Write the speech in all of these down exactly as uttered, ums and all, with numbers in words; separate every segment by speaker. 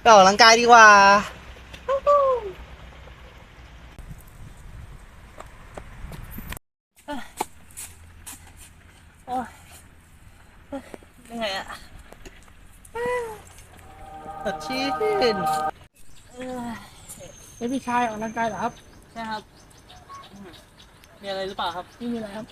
Speaker 1: ออกกำลังกายดีกว่าโอ้ยยังไงอะสดชื่น
Speaker 2: เฮ้ยพี่ชายออกกำลังกายเหรอครับ
Speaker 1: ใช่ครับมีอะไรหรือเปล่าครับ
Speaker 2: ไม่มีอะไรครับ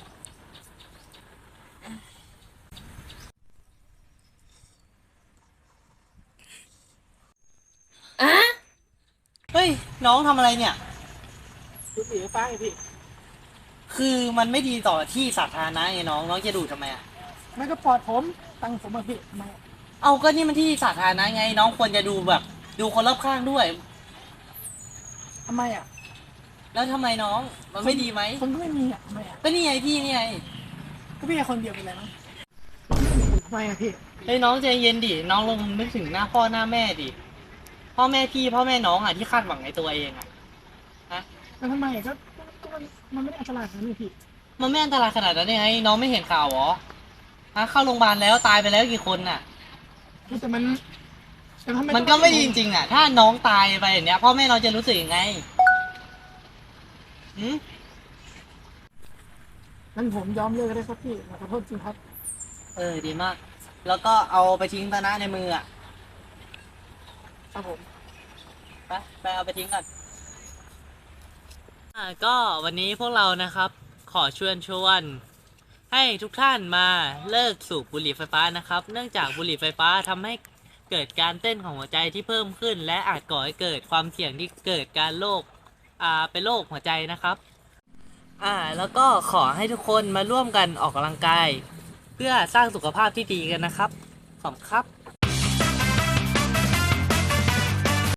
Speaker 1: เฮ้ยน้องทำอะไรเนี่ย
Speaker 2: ดูสีฟ้าไงพี่
Speaker 1: คือมันไม่ดีต่อที่สาธารณะไงน้องน้องจะดูดทำไมอะ
Speaker 2: ไม่ก็ปลอดผมตังค์ผมมาพี่ทำไมอะ
Speaker 1: เอาก็นี่มันที่สาธารณะไงน้องควรจะดูแบบดูคนรอบข้างด้วย
Speaker 2: ทำไมอ่ะ
Speaker 1: แล้วทำไมน้องมันไม่ดีไหม
Speaker 2: คนก็ไม่มีอ่ะทำไมอ่ะ
Speaker 1: ก็นี่ไงพี่นี่ไง
Speaker 2: ก็พี่แค่คนเดียวเป็นไรมั้งทำไมอ่ะพี่
Speaker 1: เฮ้ยน้องใจเย็นดิน้องลองนึกถึงหน้าพ่อหน้าแม่ดิพ่อแม่พี่พ่อแม่น้องอ่ะที่คาดหวังในตัวเองอ่ะฮะ
Speaker 2: แล้วทำไมอ่ะก็ก็มันมันไม่ได้อันตรายขนาดนั้นเลยพี่
Speaker 1: มันไม่อันตรายขนาดนั้นยังไงน้องไม่เห็นข่าวเหรอฮะเข้าโรงพยาบาลแล้วตายไปแล้วกี่คนน่ะ
Speaker 2: แต่มันแต่ทำไม
Speaker 1: มันก็ไม่ดีจริงๆอ่ะถ้าน้องตายไปอย่างเนี้ยพ่อแม่น้องจะรู้สึกยังไงหืม
Speaker 2: งั้นผมยอมเลิกก็ได้ครับพี่ขอโทษจริงครับ
Speaker 1: เออดีมากแล้วก็เอาไปทิ้งตะนะในมืออ่ะ
Speaker 2: ครับผม
Speaker 1: ไปไปเอาไปทิ้งก่อนอ่าก็วันนี้พวกเรานะครับขอชวนชวนให้ทุกท่านมาเลิกสูบบุหรี่ไฟฟ้านะครับเนื่องจากบุหรี่ไฟฟ้าทำให้เกิดการเต้นของหัวใจที่เพิ่มขึ้นและอาจก่อให้เกิดความเสี่ยงที่เกิดการโรคอ่าเป็นโรคหัวใจนะครับอ่าแล้วก็ขอให้ทุกคนมาร่วมกันออกกำลังกายเพื่อสร้างสุขภาพที่ดีกันนะครับขอบคุณครับ